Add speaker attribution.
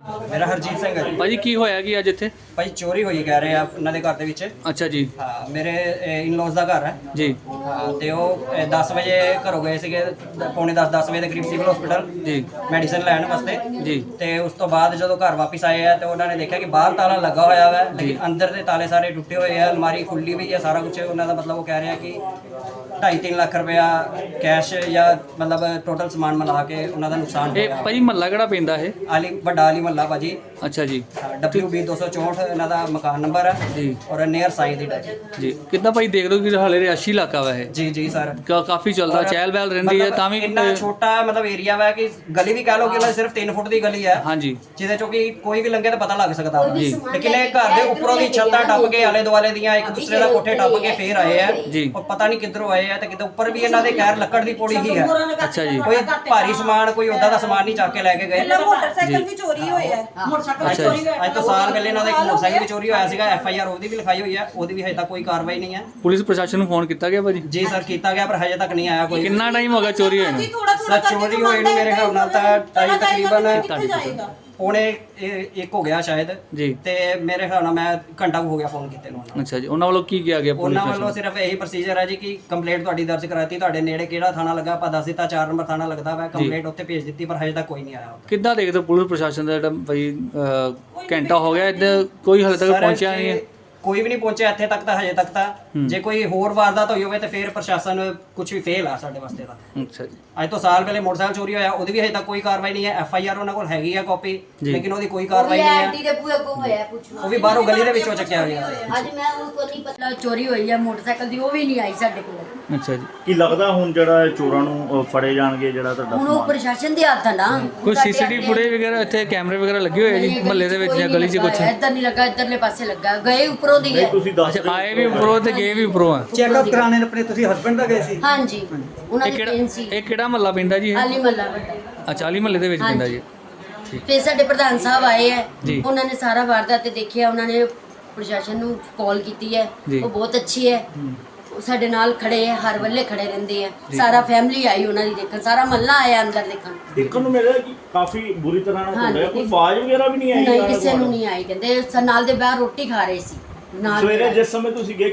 Speaker 1: ਮੇਰਾ ਹਰਜੀਤ ਸਿੰਘ ਹੈ ਜੀ।
Speaker 2: ਭਾਜੀ ਕੀ ਹੋਇਆ ਕਿ ਅੱਜ ਇੱਥੇ?
Speaker 1: ਭਾਈ ਚੋਰੀ ਹੋਈ ਕਹਿ ਰਹੇ ਆ ਉਹਨਾਂ ਦੇ ਘਰ ਦੇ ਵਿੱਚ।
Speaker 2: ਅੱਛਾ ਜੀ।
Speaker 1: ਹਾਂ, ਮੇਰੇ ਇਨ-ਲॉज ਦਾ ਘਰ ਹੈ
Speaker 2: ਜੀ
Speaker 1: ਹਾਂ, ਤੇ ਉਹ 10 ਵਜੇ ਘਰੋਂ ਗਏ ਸੀਗੇ, ਪੌਣੇ 10 ਵਜੇ ਦੇ ਕਰੀਬ ਸਿਵਲ ਹਸਪੀਟਲ
Speaker 2: ਜੀ
Speaker 1: ਮੈਡੀਸਨ ਲੈਣ ਵਾਸਤੇ।
Speaker 2: ਜੀ
Speaker 1: ਤੇ ਉਸ ਤੋਂ ਬਾਅਦ ਜਦੋਂ ਘਰ ਵਾਪਸ ਆਏ ਆ ਤੇ ਉਹਨਾਂ ਨੇ ਦੇਖਿਆ ਕਿ ਬਾਹਰ ਤਾਲਾ ਲੱਗਾ ਹੋਇਆ ਵਾ, ਲੇਕਿਨ ਅੰਦਰ ਦੇ ਤਾਲੇ ਸਾਰੇ ਟੁੱਟੇ ਹੋਏ ਆ, ਅਲਮਾਰੀ ਖੁੱਲੀ ਵੀ ਹੈ, ਸਾਰਾ ਕੁਝ ਉਹਨਾਂ ਦਾ ਮਤਲਬ ਉਹ ਕਹਿ ਰਿਹਾ ਕਿ 2.5-3 ਲੱਖ ਰੁਪਇਆ ਕੈਸ਼ ਜਾਂ ਮਤਲਬ ਟੋਟਲ ਸਮਾਨ ਮਿਲਾ ਕੇ ਉਹਨਾਂ ਦਾ ਨੁਕਸਾਨ ਹੋ
Speaker 2: ਇਹ
Speaker 1: ਗਿਆ।
Speaker 2: ਭਾਜੀ ਮਹੱਲਾ ਕਿਹੜਾ ਪੈਂਦਾ ਇਹ?
Speaker 1: ਵੱਡਾ ਆਲੀ ਮਹੱਲਾ ਭਾਜੀ।
Speaker 2: ਅੱਛਾ ਜੀ
Speaker 1: WB 264 ਇਹਨਾਂ ਦਾ ਮਕਾਨ ਨੰਬਰ ਹੈ
Speaker 2: ਜੀ
Speaker 1: ਔਰ ਨੀਅਰ ਸਾਈਂ ਦੀ ਡੈਚ।
Speaker 2: ਜੀ ਕਿੱਦਾਂ ਭਾਈ ਦੇਖ ਲਓ ਕਿ ਹਾਲੇ ਰਿਹਾਇਸ਼ੀ ਇਲਾਕਾ ਵਾ ਇਹ,
Speaker 1: ਜੀ ਜੀ ਸਰ।
Speaker 2: ਕਾਫੀ ਚੱਲਦਾ ਚਹਿਲ ਪਹਿਲ ਰਹਿੰਦੀ ਹੈ, ਤਾਂ ਵੀ
Speaker 1: ਇੰਨਾ ਛੋਟਾ ਮਤਲਬ ਏਰੀਆ ਵਾ ਕਿ ਗਲੀ ਵੀ ਕਹਿ ਲਓ ਕਿ ਸਿਰਫ 3 ਫੁੱਟ ਦੀ ਗਲੀ ਹੈ,
Speaker 2: ਹਾਂਜੀ
Speaker 1: ਜਿਹਦੇ ਚੋਂ ਕਿ ਕੋਈ ਵੀ ਲੰਘੇ ਤਾਂ ਪਤਾ ਲੱਗ ਸਕਦਾ ਵਾ।
Speaker 2: ਜੀ।
Speaker 1: ਲੇਕਿਨ ਇਹ ਘਰ ਦੇ ਉੱਪਰੋਂ ਦੀ ਛੱਤਾਂ ਟੱਪ ਕੇ ਆਲੇ ਦੁਆਲੇ ਦੀਆਂ ਇੱਕ ਦੂਸਰੇ ਦਾ ਕੋਠੇ ਟੱਪ ਕੇ ਫੇਰ ਆਏ ਆ
Speaker 2: ਜੀ।
Speaker 1: ਔਰ ਪਤਾ ਨਹੀਂ ਕਿੱਧਰੋਂ ਆਏ ਆ, ਤੇ ਕਿਤੇ ਉੱਪਰ ਵੀ ਇਹਨਾਂ ਦੇ ਖੈਰ ਲੱਕੜ ਦੀ ਪੌੜੀ ਹੀ ਹੈ।
Speaker 2: ਅੱਛਾ ਜੀ
Speaker 1: ਕੋਈ ਭਾਰੀ ਸਮਾਨ ਕੋਈ ਓਦਾਂ ਦਾ ਸਮਾਨ ਨਹੀਂ ਚੱਕ ਕੇ ਲੈ ਕੇ ਗਏ।
Speaker 3: ਮੋਟਰਸਾਈਕਲ ਵੀ ਚੋਰੀ ਹੋਇਆ ਹੈ।
Speaker 2: ਅੱਛਾ ਜੀ।
Speaker 1: ਅੱਜ ਤੋਂ ਸਾਲ ਪਹਿਲੇ ਇਹਨਾਂ ਦਾ ਇੱਕ ਮੋਟਰਸਾਈਕਲ ਵੀ ਚੋਰੀ ਹੋਇਆ ਸੀਗਾ, FIR ਉਹਦੀ ਵੀ ਲਿਖਾਈ ਹੋਈ ਹੈ, ਉਹਦੀ ਵੀ ਹਜੇ ਤੱਕ ਕੋਈ ਕਾਰਵਾਈ ਨਹੀਂ ਹੈ।
Speaker 2: ਪੁਲਿਸ ਪ੍ਰਸ਼ਾਸਨ ਨੂੰ ਫੋਨ ਕੀਤਾ ਗਿਆ ਭਾਜੀ?
Speaker 1: ਜੀ ਸਰ ਕੀਤਾ ਗਿਆ, ਪਰ ਹਜੇ ਤੱਕ ਨਹੀਂ ਆਇਆ ਕੋਈ।
Speaker 2: ਕਿੰਨਾ ਟਾਈਮ ਹੋ ਗਿਆ ਚੋਰੀ ਹੋਏ ਨੂੰ?
Speaker 1: ਸਰ ਚੋਰੀ ਹੋਏ ਨੂੰ ਮੇਰੇ ਖਿਆਲ ਨਾਲ ਤਾਂ ਤਕਰੀਬਨ ਪੌਣੇ 1 ਹੋ ਗਿਆ ਸ਼ਾਇਦ
Speaker 2: ਜੀ।
Speaker 1: ਤੇ ਮੇਰੇ ਖਿਆਲ ਨਾਲ ਮੈਂ ਘੰਟਾ ਕੁ ਹੋ ਗਿਆ ਫੋਨ ਕੀਤੇ ਨੂੰ ਉਹਨਾਂ ਨੂੰ।
Speaker 2: ਅੱਛਾ ਜੀ, ਉਹਨਾਂ ਵੱਲੋਂ ਕੀ ਕਿਹਾ ਗਿਆ ਪੁਲਿਸ
Speaker 1: ਉਹਨਾਂ ਵੱਲੋਂ
Speaker 2: ਪ੍ਰਸ਼ਾਸਨ?
Speaker 1: ਸਿਰਫ ਇਹੀ ਪ੍ਰੋਸੀਜਰ ਹੈ ਜੀ ਕਿ ਕੰਪਲੇਂਟ ਤੁਹਾਡੀ ਦਰਜ ਕਰਾਤੀ, ਤੁਹਾਡੇ ਨੇੜੇ ਕਿਹੜਾ ਥਾਣਾ ਲੱਗਾ ਆਪਾਂ ਦੱਸ ਦਿੱਤਾ, 4 ਨੰਬਰ ਥਾਣਾ ਲੱਗਦਾ ਵਾ, ਕੰਪਲੇਂਟ ਉੱਥੇ ਭੇਜ ਦਿੱਤੀ, ਪਰ ਹਜੇ ਤੱਕ ਕੋਈ ਨਹੀਂ ਆਇਆ ਉੱਥੇ।
Speaker 2: ਕਿੱਦਾਂ ਦੇਖਦੇ ਹੋ ਪੁਲਿਸ ਪ੍ਰਸ਼ਾਸਨ ਦਾ ਜਿਹੜਾ ਭਾਈ ਘੰਟਾ ਹੋ ਗਿਆ ਇੱਧਰ ਕੋਈ ਹਾਲੇ ਤੱਕ
Speaker 1: ਸਰ,
Speaker 2: ਪਹੁੰਚਿਆ ਨਹੀਂ ਹੈ?
Speaker 1: ਕੋਈ ਵੀ ਨਹੀਂ ਪਹੁੰਚਿਆ ਇੱਥੇ ਤੱਕ ਤਾਂ ਹਜੇ ਤੱਕ ਤਾਂ। ਜੇ ਕੋਈ ਹੋਰ ਵਾਰਦਾਤ ਹੋਈ ਹੋਵੇ ਤੇ ਫਿਰ ਪ੍ਰਸ਼ਾਸਨ ਕੁਝ ਵੀ ਫੇਲ ਆ ਸਾਡੇ ਵਾਸਤੇ ਤਾਂ।
Speaker 2: ਅੱਛਾ ਜੀ।
Speaker 1: ਅੱਜ ਤੋਂ ਸਾਲ ਪਹਿਲੇ ਮੋਟਰਸਾਈਕਲ ਚੋਰੀ ਹੋਇਆ, ਉਹਦੀ ਵੀ ਹਜੇ ਤੱਕ ਕੋਈ ਕਾਰਵਾਈ ਨਹੀਂ ਹੈ। FIR ਉਹਨਾਂ ਕੋਲ ਹੈਗੀ ਆ ਕਾਪੀ, ਲੇਕਿਨ ਉਹਦੀ ਕੋਈ ਕਾਰਵਾਈ ਨਹੀਂ ਹੈ। ਉਹ ਵੀ ਬਾਹਰੋਂ ਗਲੀ ਦੇ ਵਿੱਚੋਂ ਚੱਕਿਆ ਗਿਆ।
Speaker 4: ਅੱਜ ਮੈਂ ਉਹ ਕੋਈ ਨਹੀਂ ਪਤਾ ਚੋਰੀ ਹੋਈ ਹੈ ਮੋਟਰਸਾਈਕਲ ਦੀ, ਉਹ ਵੀ ਨਹੀਂ ਆਈ ਸਾਡੇ ਕੋਲ।
Speaker 2: ਅੱਛਾ ਜੀ।
Speaker 5: ਕੀ ਲੱਗਦਾ ਹੁਣ ਜਿਹੜਾ ਚੋਰਾਂ ਨੂੰ ਫੜੇ ਜਾਣਗੇ, ਜਿਹੜਾ ਤੁਹਾਡਾ
Speaker 4: ਹੁਣ ਉਹ
Speaker 5: ਸਮਾਨ?
Speaker 4: ਪ੍ਰਸ਼ਾਸਨ ਦੇ ਹੱਥ ਆ ਨਾ।
Speaker 2: ਕੋਈ CCTV ਫੁਟੇਜ ਵਗੈਰਾ ਇੱਥੇ ਕੈਮਰੇ ਵਗੈਰਾ ਲੱਗੇ ਹੋਏ ਆ ਜੀ ਮਹੱਲੇ ਦੇ ਵਿੱਚ ਜਾਂ ਗਲੀ 'ਚ ਕੁਝ?
Speaker 4: ਇੱਧਰ ਨਹੀਂ ਲੱਗਾ, ਇੱਧਰਲੇ ਪਾਸੇ ਲੱਗਾ, ਗਏ ਉੱਪਰੋਂ ਦੀ
Speaker 5: ਨਹੀਂ
Speaker 4: ਹੈ।
Speaker 5: ਤੁਸੀਂ ਦੱਸ
Speaker 2: ਅੱਛਾ, ਆਏ ਵੀ ਉੱਪਰੋਂ ਤੇ ਗਏ ਵੀ ਉੱਪਰੋਂ ਆ।
Speaker 6: ਚੈੱਕਅਪ ਕਰਾਣੇ ਆਪਣੇ ਤੁਸੀਂ ਹਸਬੰਡ ਦਾ ਗਏ ਸੀ?
Speaker 4: ਹਾਂਜੀ ਉਹਨਾਂ
Speaker 2: ਇਹ
Speaker 4: ਦੀ
Speaker 2: ਕਿਹੜਾ
Speaker 4: ਟ੍ਰੇਨ ਸੀ
Speaker 2: ਇਹ ਕਿਹੜਾ ਮਹੱਲਾ ਪੈਂਦਾ ਜੀ ਇਹ?
Speaker 4: ਆਲੀ ਮੱਲਾ ਵੱਡਾ।
Speaker 2: ਅੱਛਾ, ਆਲੀ ਮਹੱਲੇ ਦੇ ਵਿੱਚ ਪੈਂਦਾ ਜੀ।
Speaker 4: ਫਿਰ ਸਾਡੇ ਪ੍ਰਧਾਨ ਸਾਹਿਬ ਆਏ ਹੈ,
Speaker 2: ਜੀ।
Speaker 4: ਉਹਨਾਂ ਨੇ ਸਾਰਾ ਵਾਰਦਾਤ ਤੇ ਦੇਖਿਆ, ਉਹਨਾਂ ਨੇ ਪ੍ਰਸ਼ਾਸਨ ਨੂੰ ਕਾਲ ਕੀਤੀ ਹੈ,
Speaker 2: ਜੀ।
Speaker 4: ਉਹ ਬਹੁਤ ਅੱਛੀ ਹੈ, ਉਹ ਸਾਡੇ ਨਾਲ ਖੜੇ ਹੈ, ਹਰ ਵੇਲੇ ਖੜੇ ਰਹਿੰਦੇ ਆ। ਸਾਰਾ ਫੈਮਿਲੀ ਆਈ ਉਹਨਾਂ ਦੀ ਦੇਖਣ, ਸਾਰਾ ਮਹੱਲਾ ਆਇਆ ਅੰਦਰ ਦੇਖਣ।
Speaker 5: ਦੇਖਣ ਨੂੰ ਮਿਲਿਆ ਕਿ ਕਾਫੀ ਬੁਰੀ ਤਰ੍ਹਾਂ ਨਾਲ ਹੋਇਆ, ਕੋਈ ਆਵਾਜ਼ ਵਗੈਰਾ ਵੀ ਨਹੀਂ ਆਈ?
Speaker 4: ਨਹੀਂ ਕਿਸੇ ਨੂੰ ਨਹੀਂ ਆਈ, ਕਹਿੰਦੇ ਨਾਲ ਦੇ ਬਾਹਰ ਰੋਟੀ ਖਾ ਰਹੇ ਸੀ ਨਾਲ ਦੇ
Speaker 5: ਸਵੇਰੇ
Speaker 4: ਬਾਹਰ।
Speaker 5: ਜਿਸ ਸਮੇਂ ਤੁਸੀਂ ਗਏ